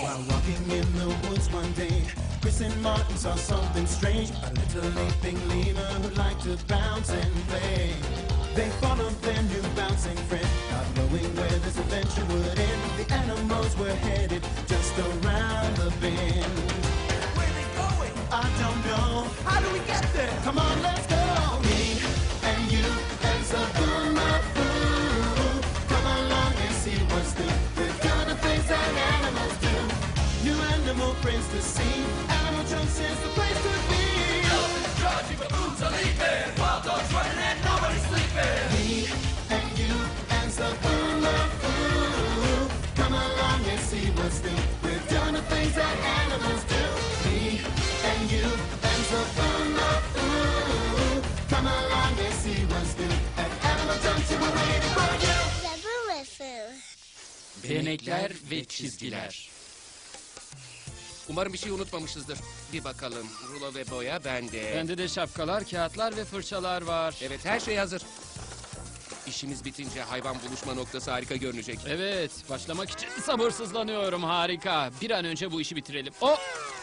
While walking in the woods one day, Chris and Martin saw something strange. A little leaping lemur who liked to bounce and play. They followed their new bouncing friend, not knowing where this adventure would end. The animals were headed just around the bend. Where are they going? I don't know. How do we get there? Come on, let's go. Me and you and Zaboo-Mafoo. Come along and see what's new. We're gonna things that animals do. New animal friends to see. Animal Jumps is the place to be. Elephants charging, baboons are leaping, wild dogs running and nobody's sleeping. Me and you and Zaboo-Mafoo. Come along and see what's new. We're doing the things that animals do. Me and you and Zaboo-Mafoo. Come along and see what's new. At Animal Junction we're waiting for you. Zaboo-Mafoo. Benekler ve çizgiler. Umarım bir şey unutmamışızdır. Bir bakalım. Rulo ve boya bende. Bende de şapkalar, kağıtlar ve fırçalar var. Evet, her şey hazır. İşimiz bitince hayvan buluşma noktası harika görünecek. Evet, başlamak için sabırsızlanıyorum. Harika. Bir an önce bu işi bitirelim. Oh!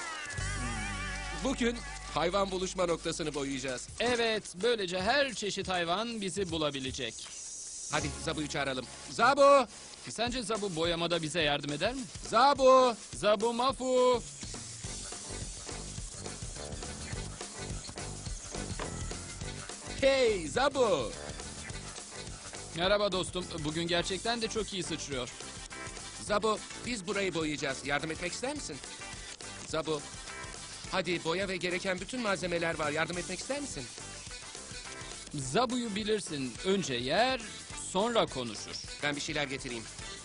Bugün hayvan buluşma noktasını boyayacağız. Evet, böylece her çeşit hayvan bizi bulabilecek. Hadi Zabu'yu çağıralım. Zabu! Sence Zabu boyamada bize yardım eder mi? Zabu! Zaboo-Mafoo. Hey Zabu! Merhaba dostum. Bugün gerçekten de çok iyi sıçrıyor. Zabu, biz burayı boyayacağız. Yardım etmek ister misin? Zabu, hadi boya ve gereken bütün malzemeler var. Yardım etmek ister misin? Zabu'yu bilirsin. Önce yer, sonra konuşur. Ben bir şeyler getireyim.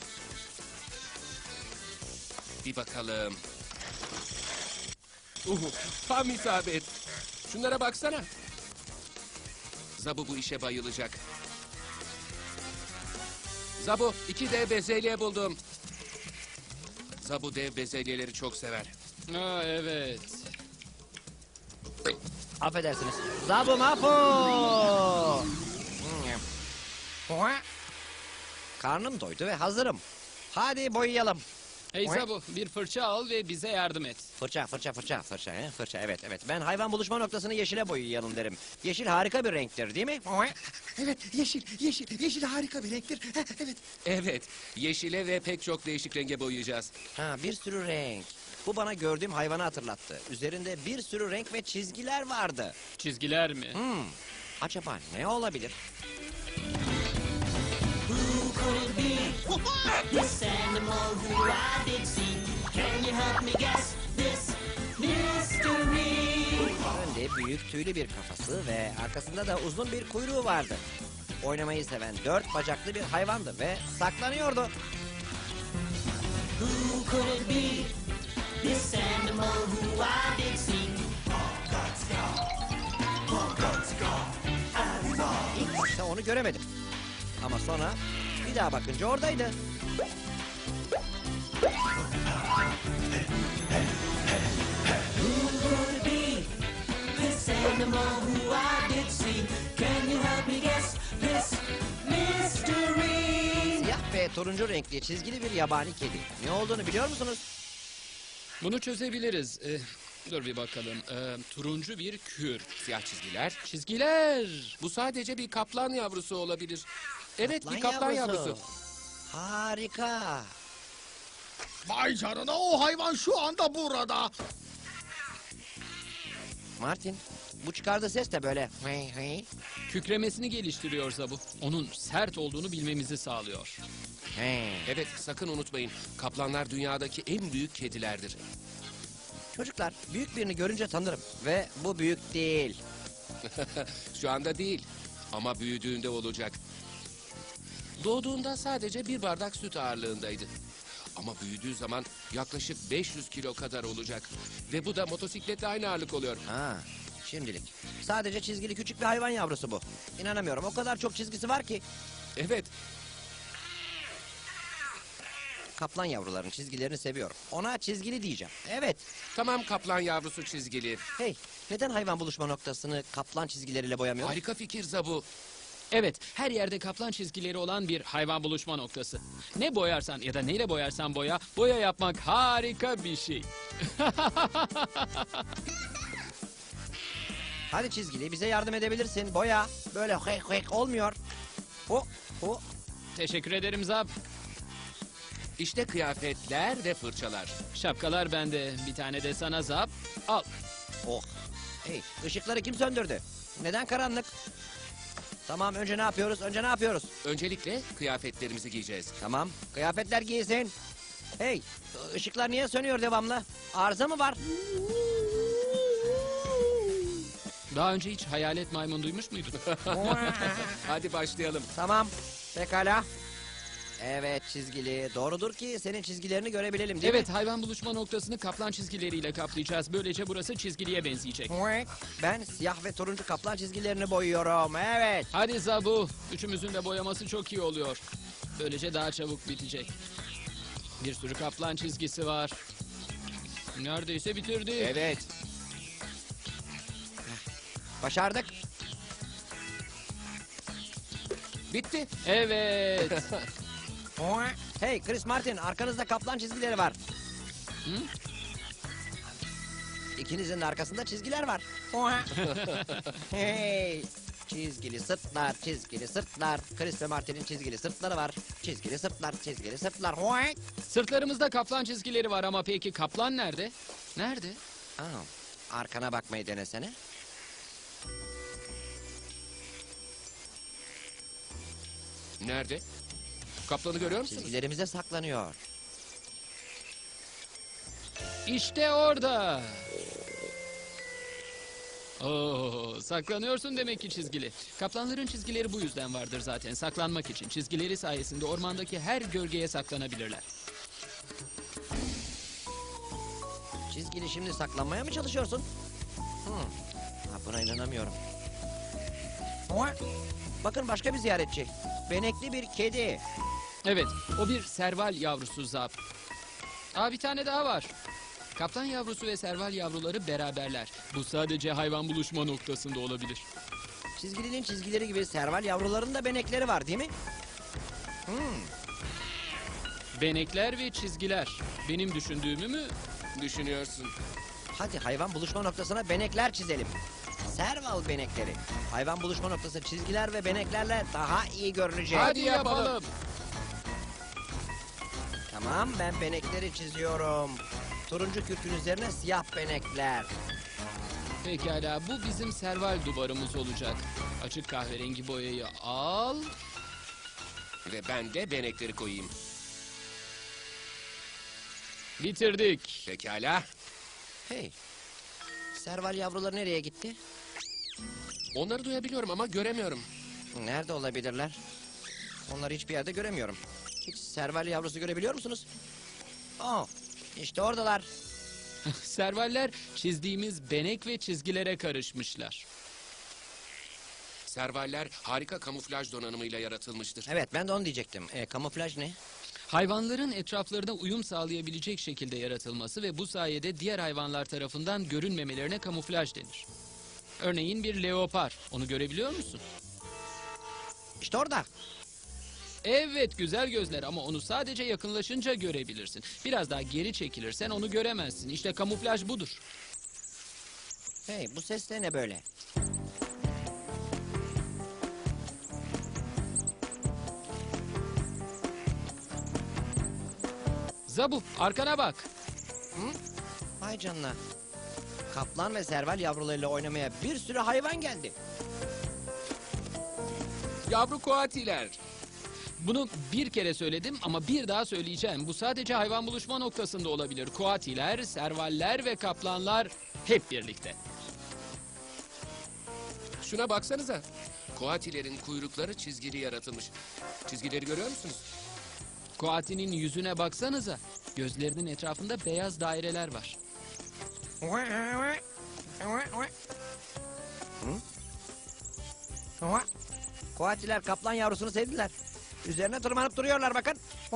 Bir bakalım. Tam isabet. Şunlara baksana. Zabu bu işe bayılacak. Zabu, 2 dev bezelye buldum. Zabu dev bezelyeleri çok sever. Aa, evet. Affedersiniz. Zaboo-Mafoo. Karnım doydu ve hazırım. Hadi boyayalım. Hey Zabu, bir fırça al ve bize yardım et. Fırça. Evet. Ben hayvan buluşma noktasını yeşile boyayalım derim. Yeşil harika bir renktir, değil mi? Evet, yeşil harika bir renktir. Evet. Evet, yeşile ve pek çok değişik renge boyayacağız. Ha, bir sürü renk. Bu bana gördüğüm hayvanı hatırlattı. Üzerinde bir sürü renk ve çizgiler vardı. Çizgiler mi? Acaba ne olabilir? Who could it be? This animal who I did see. Can you help me guess this mystery? Önde büyük tüylü bir kafası ve arkasında da uzun bir kuyruğu vardı. Oynamayı seven 4 bacaklı bir hayvandı ve saklanıyordu. Who could it be? This animal who I did see. İlk başta onu göremedim. Ama sonra bir daha bakınca oradaydı. Who could it be? This animal who I did see. Can you help me guess this mystery? Siyah ve turuncu renkli çizgili bir yabani kedi. Ne olduğunu biliyor musunuz? Bunu çözebiliriz. Dur bir bakalım. Turuncu bir kür. Siyah çizgiler. Çizgiler. Bu sadece bir kaplan yavrusu olabilir. Evet, bir kaplan yavrusu. Harika. Vay canına, o hayvan şu anda burada. Martin, bu çıkardığı ses de böyle. Kükremesini geliştiriyor Zabu. Onun sert olduğunu bilmemizi sağlıyor. Evet, sakın unutmayın. Kaplanlar dünyadaki en büyük kedilerdir. Çocuklar, büyük birini görünce tanırım. Ve bu büyük değil. Şu anda değil. Ama büyüdüğünde olacak. Doğduğunda sadece bir bardak süt ağırlığındaydı. Ama büyüdüğü zaman yaklaşık 500 kilo kadar olacak. Ve bu da motosikletle aynı ağırlık oluyor. Ha, şimdilik. Sadece çizgili küçük bir hayvan yavrusu bu. İnanamıyorum, o kadar çok çizgisi var ki. Evet, Kaplan yavruların çizgilerini seviyorum. Ona çizgili diyeceğim. Evet. tamam, kaplan yavrusu çizgili. Hey, neden hayvan buluşma noktasını kaplan çizgileriyle boyamıyoruz? Harika fikir Zabu. Evet, her yerde kaplan çizgileri olan bir hayvan buluşma noktası. Ne boyarsan ya da neyle boyarsan boya, boya yapmak harika bir şey. Hadi çizgili bize yardım edebilirsin. Boya. Böyle hek hek olmuyor. Ho ho. Teşekkür ederim Zap. İşte kıyafetler ve fırçalar. Şapkalar bende, bir tane de sana Zap. Al. Oh. Hey, ışıkları kim söndürdü? Neden karanlık? Tamam, önce ne yapıyoruz? Öncelikle kıyafetlerimizi giyeceğiz. Tamam, kıyafetler giysin. Hey, ışıklar niye sönüyor devamlı? Arıza mı var? Daha önce hiç hayalet maymun duymuş muydun? Hadi başlayalım. Tamam, pekala. Evet çizgili. Doğrudur ki senin çizgilerini görebilelim değil Evet, hayvan buluşma noktasını kaplan çizgileriyle kaplayacağız. Böylece burası çizgiliye benzeyecek. mi? Ben siyah ve turuncu kaplan çizgilerini boyuyorum. Evet. Hadi Zabu, üçümüzün de boyaması çok iyi oluyor. Böylece daha çabuk bitecek. Bir sürü kaplan çizgisi var. Neredeyse bitirdi. Evet. Başardık. Bitti. Evet. Hey Chris Martin, arkanızda kaplan çizgileri var. Hı? İkinizin de arkasında çizgiler var. Hey, çizgili sırtlar, çizgili sırtlar. Chris ve Martin'in çizgili sırtları var. Çizgili sırtlar, çizgili sırtlar. Sırtlarımızda kaplan çizgileri var ama peki kaplan nerede? Nerede? Arkana bakmayı denesene. Nerede? Kaplanı görüyor musunuz? Çizgilerimize saklanıyor. İşte orada. Oo, saklanıyorsun demek ki çizgili. Kaplanların çizgileri bu yüzden vardır zaten. Saklanmak için. Çizgileri sayesinde ormandaki her gölgeye saklanabilirler. Çizgili şimdi saklanmaya mı çalışıyorsun? Buna inanamıyorum. Bakın başka bir ziyaretçi. Benekli bir kedi. Evet, o bir serval yavrusu Zap. Bir tane daha var. Kaplan yavrusu ve serval yavruları beraberler. Bu sadece hayvan buluşma noktasında olabilir. Çizgilinin çizgileri gibi serval yavruların da benekleri var değil mi? Benekler ve çizgiler. Benim düşündüğümü mü? Düşünüyorsun. Hadi hayvan buluşma noktasına benekler çizelim. Serval benekleri. Hayvan buluşma noktası çizgiler ve beneklerle daha iyi görünecek. Hadi yapalım. Tamam, ben benekleri çiziyorum. Turuncu kürkün üzerine siyah benekler. Pekala, bu bizim serval duvarımız olacak. Açık kahverengi boyayı al. Ve ben de benekleri koyayım. Bitirdik. Pekala. Hey, serval yavruları nereye gitti? Onları duyabiliyorum ama göremiyorum. Nerede olabilirler? Onları hiçbir yerde göremiyorum. Hiç serval yavrusu görebiliyor musunuz? İşte oradalar. Servaller çizdiğimiz benek ve çizgilere karışmışlar. Servaller harika kamuflaj donanımıyla yaratılmıştır. Evet, ben de onu diyecektim. Kamuflaj ne? Hayvanların etraflarına uyum sağlayabilecek şekilde yaratılması ve bu sayede diğer hayvanlar tarafından görünmemelerine kamuflaj denir. Örneğin bir leopar. Onu görebiliyor musun? İşte orada. Evet, güzel gözler ama onu sadece yakınlaşınca görebilirsin. Biraz daha geri çekilirsen onu göremezsin. İşte kamuflaj budur. Hey, bu ses de ne böyle? Zabu, arkana bak. Vay canına. Kaplan ve serval yavrularıyla oynamaya bir sürü hayvan geldi. Yavru koatiler. Bunu bir kere söyledim ama bir daha söyleyeceğim. Bu sadece hayvan buluşma noktasında olabilir. Koatiler, servaller ve kaplanlar hep birlikte. Şuna baksanıza. Koatilerin kuyrukları çizgili yaratılmış. Çizgileri görüyor musunuz? Koatinin yüzüne baksanıza. Gözlerinin etrafında beyaz daireler var. Koatiler kaplan yavrusunu sevdiler. Üzerine tırmanıp duruyorlar bakın.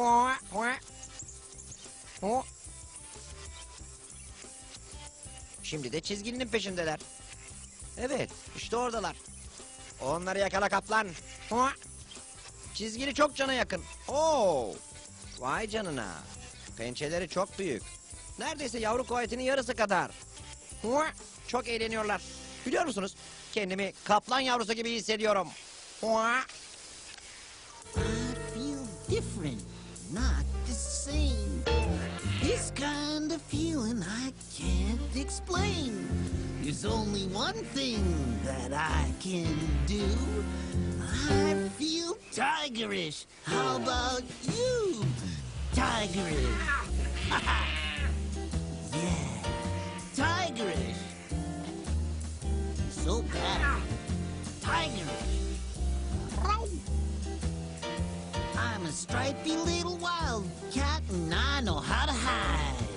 Şimdi de çizginin peşindeler. Evet, işte oradalar. Onları yakala kaplan. Hua! Çizgili çok cana yakın. Oo! Vay canına. Pençeleri çok büyük. Neredeyse yavru koetinin yarısı kadar. Hua! Çok eğleniyorlar. Biliyor musunuz? Kendimi kaplan yavrusu gibi hissediyorum. Hua! I feel different, not the same. This kind of feeling I can't explain. There's only one thing that I can do. I feel tigerish. How about you, tigerish? Yeah, tigerish. So bad, tigerish. I'm a stripy little wildcat and I know how to hide.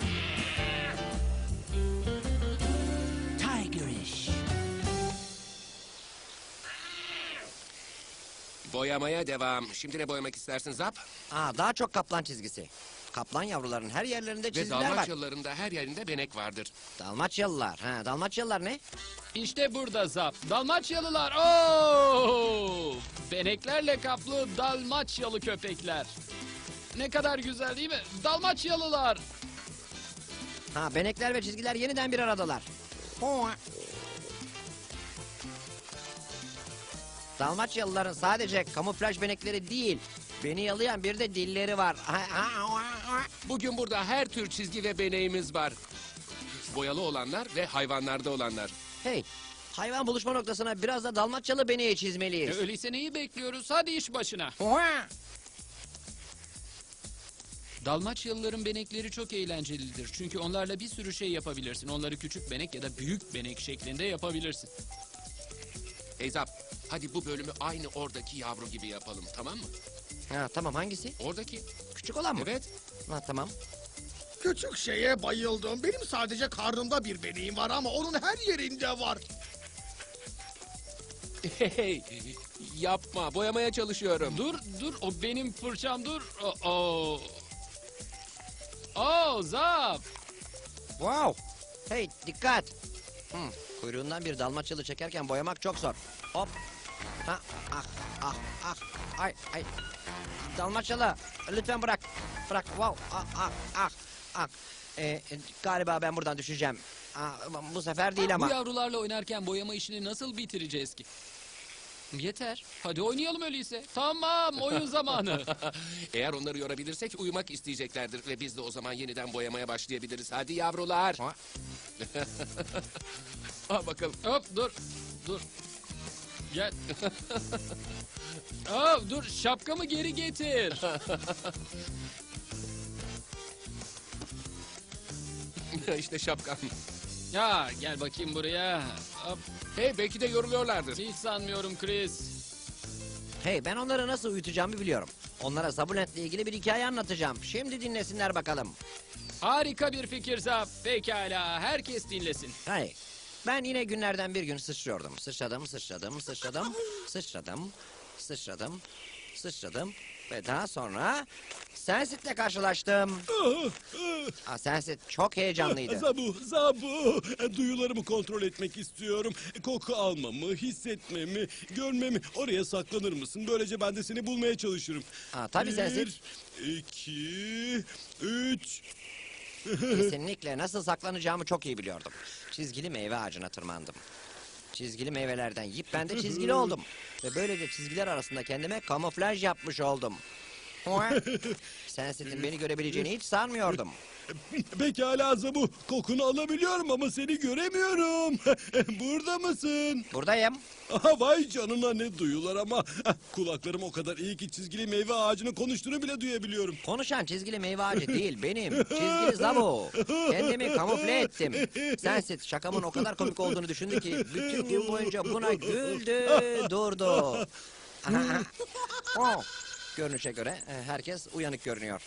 Tigerish. Boyamaya devam. Şimdi ne boyamak istersin Zap? Daha çok kaplan çizgisi. Kaplan yavruların her yerlerinde Ve çizgiler var. Dalmaçyalıların da her yerinde benek vardır. Dalmaçyalılar. Dalmaçyalılar ne? İşte burada Zap. Dalmaçyalılar. Oo! Beneklerle kaplı Dalmaçyalı köpekler. Ne kadar güzel değil mi? Dalmaçyalılar. Benekler ve çizgiler yeniden bir aradalar. Hua! Dalmaçyalıların sadece kamuflaj benekleri değil, beni yalayan bir de dilleri var. Bugün burada her tür çizgi ve beneğimiz var. Boyalı olanlar ve hayvanlarda olanlar. Hey, hayvan buluşma noktasına biraz da Dalmaçyalı beneği çizmeliyiz. Öyleyse neyi bekliyoruz? Hadi iş başına. Hua! Dalmaçyalıların benekleri çok eğlencelidir. Çünkü onlarla bir sürü şey yapabilirsin. Onları küçük benek ya da büyük benek şeklinde yapabilirsin. Hey Zap, hadi bu bölümü aynı oradaki yavru gibi yapalım, tamam mı? Tamam, hangisi? Oradaki. Küçük olan mı? Evet. Tamam. Küçük şeye bayıldım. Benim sadece karnımda bir beneğim var ama onun her yerinde var. Hey, yapma, boyamaya çalışıyorum. Dur, o benim fırçam dur. Zap. Wow. Hey, dikkat. Kuyruğundan bir Dalmaçyalı çekerken boyamak çok zor. Hop. Ay. Dalmaçyalı, lütfen bırak. Bırak. Wow. Galiba ben buradan düşeceğim. Bu sefer değil Bu ama. yavrularla oynarken boyama işini nasıl bitireceğiz ki? Yeter. Hadi oynayalım öyleyse. Tamam, oyun zamanı. Eğer onları yorabilirsek uyumak isteyeceklerdir ve biz de o zaman yeniden boyamaya başlayabiliriz. Hadi yavrular. Ha? Al bakalım. Hop, dur. Gel. Dur, şapkamı geri getir. İşte şapkan. Ya, gel bakayım buraya. Hop. Hey, belki de yoruluyorlardır. Hiç sanmıyorum Chris. Hey, ben onları nasıl uyutacağımı biliyorum. Onlara Zabulent'le ilgili bir hikaye anlatacağım. Şimdi dinlesinler bakalım. Harika bir fikir Zap. Pekala, herkes dinlesin. Hey, ben yine günlerden bir gün sıçrıyordum. Sıçradım. Ve daha sonra Sensit'le karşılaştım. Sensit çok heyecanlıydı. Zabu. Duyularımı kontrol etmek istiyorum. Koku almamı, hissetmemi, görmemi. Oraya saklanır mısın? Böylece ben de seni bulmaya çalışırım. Tabii Sensit. 2, 3... Kesinlikle nasıl saklanacağımı çok iyi biliyordum. Çizgili meyve ağacına tırmandım. Çizgili meyvelerden yiyip ben de çizgili oldum. Ve böylece çizgiler arasında kendime kamuflaj yapmış oldum. Sensit'in beni görebileceğini hiç sanmıyordum. Pekala Zabu. Kokunu alabiliyorum ama seni göremiyorum. Burada mısın? Buradayım. Vay canına, ne duyular ama. Kulaklarım o kadar iyi ki çizgili meyve ağacının konuştuğunu bile duyabiliyorum. Konuşan çizgili meyve ağacı değil, benim. Çizgili Zabu. Kendimi kamufle ettim. Sensit şakamın o kadar komik olduğunu düşündü ki bütün gün boyunca buna güldü, durdu. Görünüşe göre herkes uyanık görünüyor.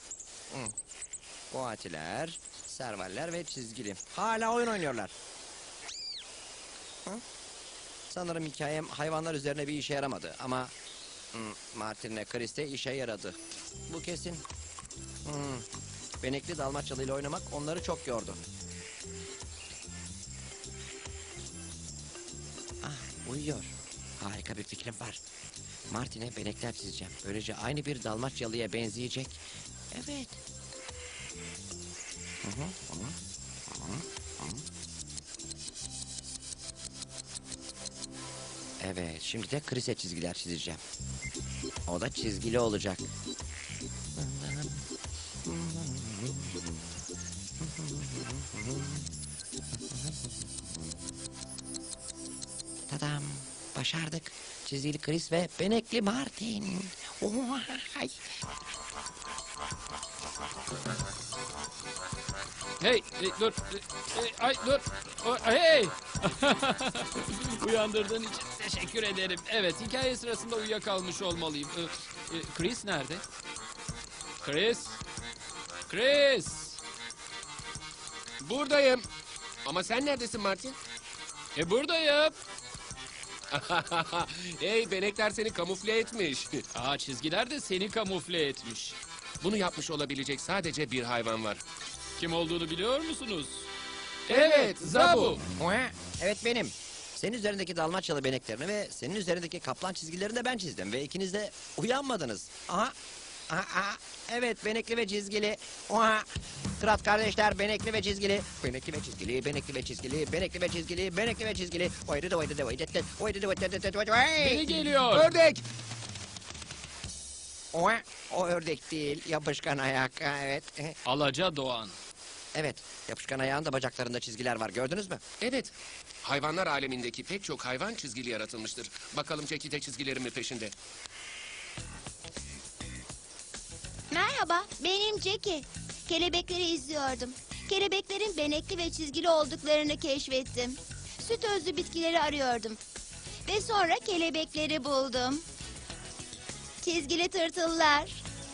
Koatiler, servaller ve çizgili. Hala oyun oynuyorlar. Sanırım hikayem hayvanlar üzerine bir işe yaramadı ama Martin'le Chris'te işe yaradı. Bu kesin. Benekli Dalmaçyalı ile oynamak onları çok yordu. Uyuyor. Harika bir fikrim var. Martin'e benekler çizeceğim. Böylece aynı bir Dalmaçyalı'ya benzeyecek. Evet. Evet, şimdi de Chris'e çizgiler çizeceğim. O da çizgili olacak. Tadam, başardık. Çizgili Chris ve benekli Martin. Vay. Hey, dur. Ay dur. Hey! Uyandırdığın için teşekkür ederim. Evet, hikaye sırasında uyuyakalmış olmalıyım. Chris nerede? Chris? Chris! Buradayım. Ama sen neredesin Martin? Buradayım. Hey, benekler seni kamufle etmiş. Çizgiler de seni kamufle etmiş. Bunu yapmış olabilecek sadece bir hayvan var. Kim olduğunu biliyor musunuz? Evet, Zabu. Evet benim. Senin üzerindeki Dalmaçyalı beneklerini ve senin üzerindeki kaplan çizgilerini de ben çizdim. Ve ikiniz de uyanmadınız. Aha. Aha. Evet, benekli ve çizgili. Oha. Kırat kardeşler, benekli ve çizgili. Benekli ve çizgili, benekli ve çizgili, benekli ve çizgili, benekli ve çizgili. Beni geliyor. Ördek. Oha. O ördek değil, yapışkan ayak. Evet. Alaca Doğan. Evet, yapışkan ayağın da bacaklarında çizgiler var. Gördünüz mü? Evet. Hayvanlar alemindeki pek çok hayvan çizgili yaratılmıştır. Bakalım Jackie de çizgilerin mi peşinde? Merhaba, benim Jackie. Kelebekleri izliyordum. Kelebeklerin benekli ve çizgili olduklarını keşfettim. Süt özlü bitkileri arıyordum. Ve sonra kelebekleri buldum. Çizgili tırtıllar.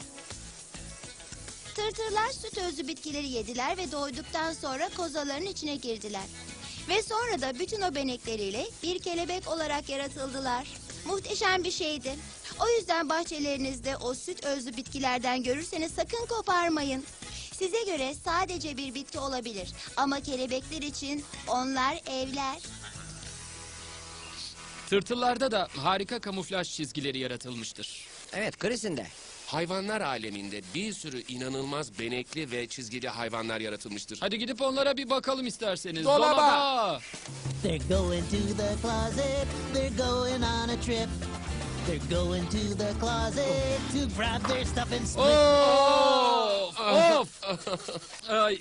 Tırtıllar süt özlü bitkileri yediler ve doyduktan sonra kozaların içine girdiler. Ve sonra da bütün o benekleriyle bir kelebek olarak yaratıldılar. Muhteşem bir şeydi. O yüzden bahçelerinizde o süt özlü bitkilerden görürseniz sakın koparmayın. Size göre sadece bir bitki olabilir ama kelebekler için onlar evler. Tırtıllarda da harika kamuflaj çizgileri yaratılmıştır. Evet, Chris'in de. Hayvanlar aleminde bir sürü inanılmaz benekli ve çizgili hayvanlar yaratılmıştır. Hadi gidip onlara bir bakalım isterseniz. Dolaba! They're going to the closet, they're going on a trip. They're going to the closet to grab their stuff and split. Of! Ay.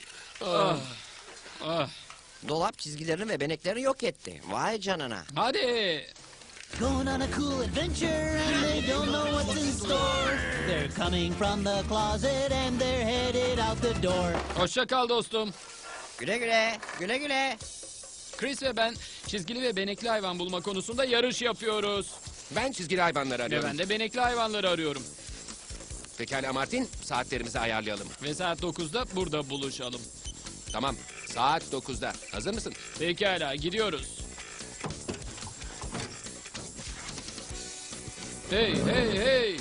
Dolap çizgilerini ve beneklerini yok etti. Vay canına. Hadi. Going on a cool adventure and they don't know what's in store. They're coming from the closet and they're headed out the door. Hoşça kal dostum. Güle güle, güle güle. Chris ve ben çizgili ve benekli hayvan bulma konusunda yarış yapıyoruz. Ben çizgili hayvanları Ve arıyorum. ben de benekli hayvanları arıyorum. Pekala Martin, saatlerimizi ayarlayalım. Ve saat 9'da burada buluşalım. Tamam, saat 9'da. Hazır mısın? Pekala, gidiyoruz. Hey, hey, hey!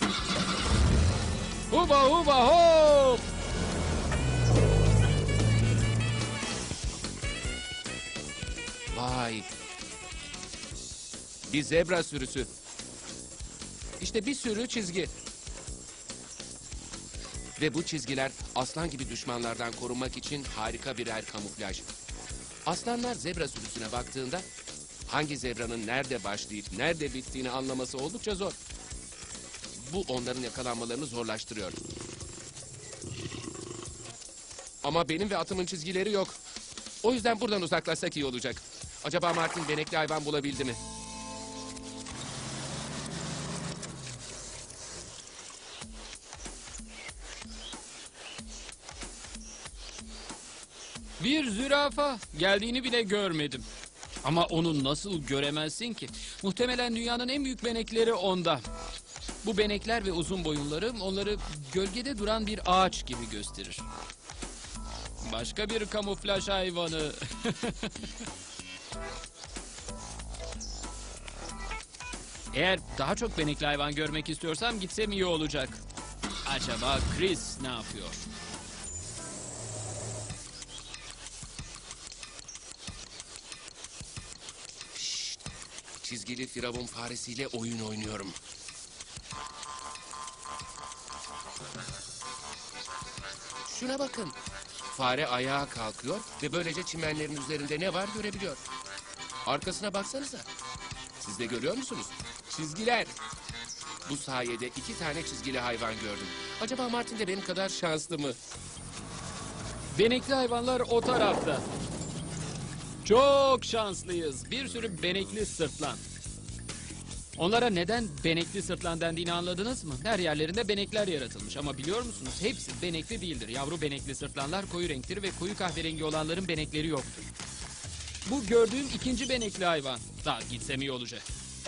Huba, huba, hop! Vay. Bir zebra sürüsü. İşte bir sürü çizgi. Ve bu çizgiler aslan gibi düşmanlardan korunmak için harika birer kamuflaj. Aslanlar zebra sürüsüne baktığında hangi zebranın nerede başlayıp nerede bittiğini anlaması oldukça zor. Bu onların yakalanmalarını zorlaştırıyor. Ama benim ve atımın çizgileri yok. O yüzden buradan uzaklaşsak iyi olacak. Acaba Martin benekli hayvan bulabildi mi? Bir zürafa. Geldiğini bile görmedim. Ama onu nasıl göremezsin ki? Muhtemelen dünyanın en büyük benekleri onda. Bu benekler ve uzun boyunları onları gölgede duran bir ağaç gibi gösterir. Başka bir kamuflaj hayvanı. Eğer daha çok benekli hayvan görmek istiyorsam gitsem iyi olacak. Acaba Chris ne yapıyor? Çizgili firavun faresiyle oyun oynuyorum. Şuna bakın. Fare ayağa kalkıyor ve böylece çimenlerin üzerinde ne var görebiliyor. Arkasına baksanıza. Siz de görüyor musunuz? Çizgiler. Bu sayede 2 tane çizgili hayvan gördüm. Acaba Martin de benim kadar şanslı mı? Benekli hayvanlar o tarafta. Çok şanslıyız. Bir sürü benekli sırtlan. Onlara neden benekli sırtlan dendiğini anladınız mı? Her yerlerinde benekler yaratılmış ama biliyor musunuz? Hepsi benekli değildir. Yavru benekli sırtlanlar koyu renktir ve koyu kahverengi olanların benekleri yoktur. Bu gördüğüm ikinci benekli hayvan. Daha gitsem iyi olacak.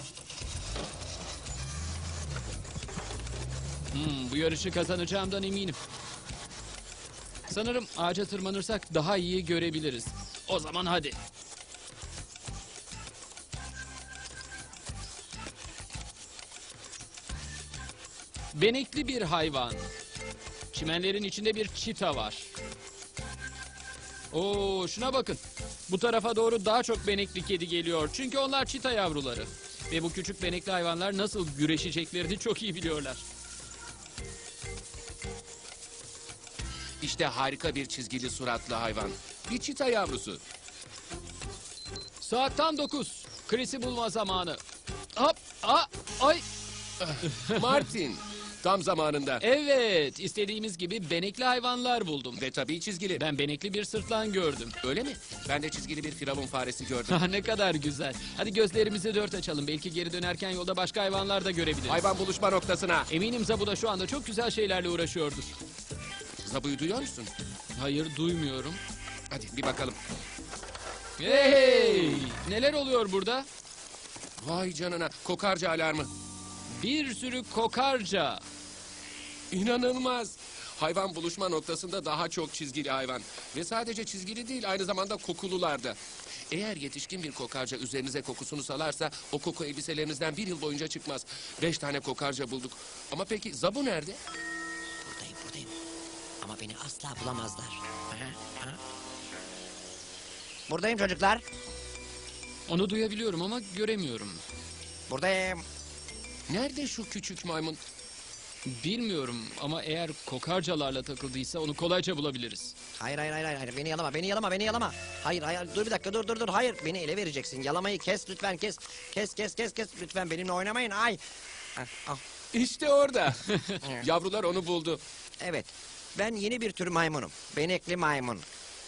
Bu yarışı kazanacağımdan eminim. Sanırım ağaca tırmanırsak daha iyi görebiliriz. O zaman hadi. Benekli bir hayvan. Çimenlerin içinde bir çita var. Oo, şuna bakın. Bu tarafa doğru daha çok benekli kedi geliyor. Çünkü onlar çita yavruları. Ve bu küçük benekli hayvanlar nasıl güreşeceklerini çok iyi biliyorlar. İşte harika bir çizgili suratlı hayvan. Bir çita yavrusu. Saat tam 9. Chris'i bulma zamanı. Hop, ay. Martin. Tam zamanında. Evet, istediğimiz gibi benekli hayvanlar buldum. Ve tabii çizgili. Ben benekli bir sırtlan gördüm. Öyle mi? Ben de çizgili bir firavun faresi gördüm. Ne kadar güzel. Hadi gözlerimizi 4 açalım. Belki geri dönerken yolda başka hayvanlar da görebiliriz. Hayvan buluşma noktasına. Eminim Zabu da şu anda çok güzel şeylerle uğraşıyordur. Zabu'yu duyuyor musun? Hayır, duymuyorum. Hadi bir bakalım. Hey! Neler oluyor burada? Vay canına. Kokarca alarmı. Bir sürü kokarca. İnanılmaz. Hayvan buluşma noktasında daha çok çizgili hayvan. Ve sadece çizgili değil, aynı zamanda kokulular da. Eğer yetişkin bir kokarca üzerinize kokusunu salarsa o koku elbiselerinizden 1 yıl boyunca çıkmaz. 5 tane kokarca bulduk. Ama peki Zabu nerede? Buradayım. Ama beni asla bulamazlar. Buradayım çocuklar. Onu duyabiliyorum ama göremiyorum. Buradayım. Nerede şu küçük maymun? Bilmiyorum ama eğer kokarcalarla takıldıysa onu kolayca bulabiliriz. Hayır. Beni yalama. Hayır. Dur bir dakika, dur. Hayır, beni ele vereceksin. Yalamayı kes lütfen, kes. Kes. Lütfen benimle oynamayın. Ay. Ah. İşte orada. Yavrular onu buldu. Evet. Ben yeni bir tür maymunum. Benekli maymun.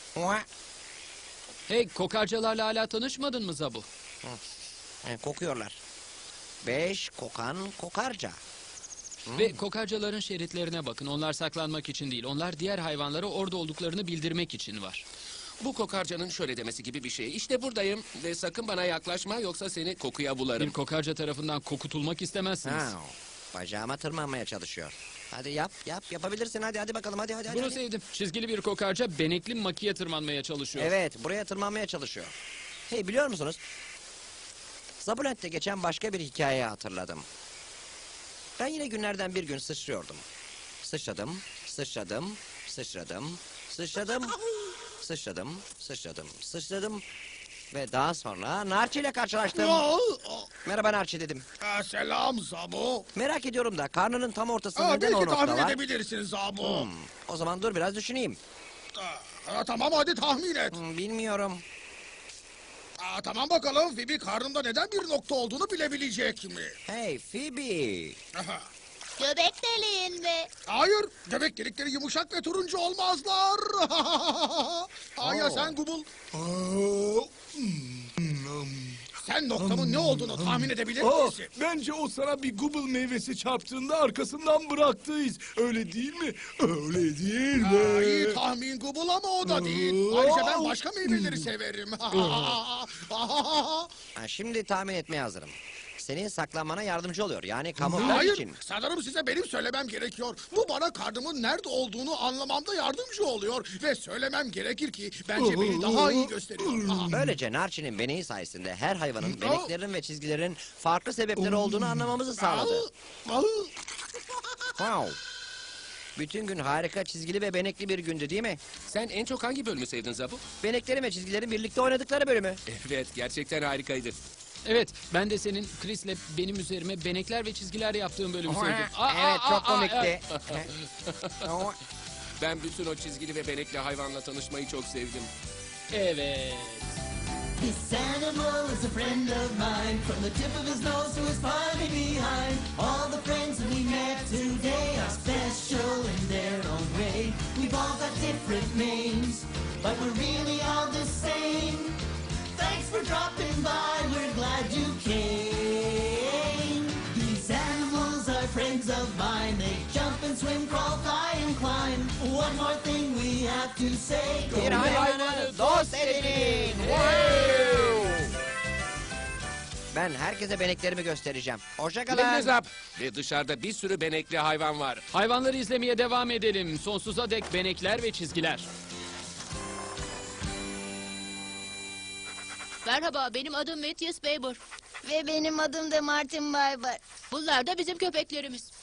Hey, kokarcalarla hala tanışmadın mı Zabu? Kokuyorlar. 5 kokan kokarca. Ve kokarcaların şeritlerine bakın. Onlar saklanmak için değil. Onlar diğer hayvanlara orada olduklarını bildirmek için var. Bu kokarcanın şöyle demesi gibi bir şey. İşte buradayım ve sakın bana yaklaşma yoksa seni kokuya bularım. Bir kokarca tarafından kokutulmak istemezsiniz. Bacağıma tırmanmaya çalışıyor. Hadi yapabilirsin, hadi bakalım, hadi. Bunu sevdim. Çizgili bir kokarca benekli makiye tırmanmaya çalışıyor. Evet, buraya tırmanmaya çalışıyor. Hey, biliyor musunuz? Zabulent'te geçen başka bir hikayeyi hatırladım. Ben yine günlerden bir gün sıçrıyordum. Sıçradım. Ve daha sonra Narçi ile karşılaştım. Merhaba Narçi dedim. Selam Zabu. Merak ediyorum da karnının tam ortasında neden o Belki nokta tahmin var? edebilirsin Zabu. O zaman dur biraz düşüneyim. Tamam hadi tahmin et. Bilmiyorum. Tamam bakalım Phoebe karnında neden bir nokta olduğunu bilebilecek mi? Hey Phoebe. Aha. Göbek deliğinde. Hayır, göbek delikleri yumuşak ve turuncu olmazlar. Ya sen Gubul. Sen noktamın ne olduğunu tahmin edebilir misin? Bence o sana bir Google meyvesi çarptığında arkasından bıraktıyız. Öyle değil mi? Öyle değil mi? İyi tahmin Gubul ama o da değil. Ayrıca ben başka meyveleri severim. Şimdi tahmin etmeye hazırım. Senin saklanmana yardımcı oluyor. Yani kamuflaj Hayır, için. sanırım size benim söylemem gerekiyor. Bu bana karnımın nerede olduğunu anlamamda yardımcı oluyor. Ve söylemem gerekir ki bence beni daha iyi gösteriyor. Böylece Narçi'nin beneği sayesinde her hayvanın beneklerinin ve çizgilerin farklı sebepleri olduğunu anlamamızı sağladı. Wow. Bütün gün harika çizgili ve benekli bir gündü değil mi? Sen en çok hangi bölümü sevdin Zabu? Beneklerin ve çizgilerin birlikte oynadıkları bölümü. Evet, gerçekten harikaydı. Evet, ben de senin Chris'le benim üzerime benekler ve çizgiler yaptığım bölümü sevdim. Evet, çok komikti. Ben bütün o çizgili ve benekli hayvanla tanışmayı çok sevdim. Evet. This animal is a friend of mine, from the tip of his nose to his body behind. All the friends that we met today are special in their own way. We've all got different names, but we're really all the same. Thanks for dropping by, we're glad you came. These animals are friends of mine, they jump and swim, crawl, fly and climb. One more thing we have to say. Bir hayvanı dost edinin. Ben herkese beneklerimi göstereceğim. Hoşça kalın. Eliniz up. Ve dışarıda bir sürü benekli hayvan var. Hayvanları izlemeye devam edelim. Sonsuza dek benekler ve çizgiler. Merhaba, benim adım Matthias Baber. Ve benim adım da Martin Barber. Bunlar da bizim köpeklerimiz.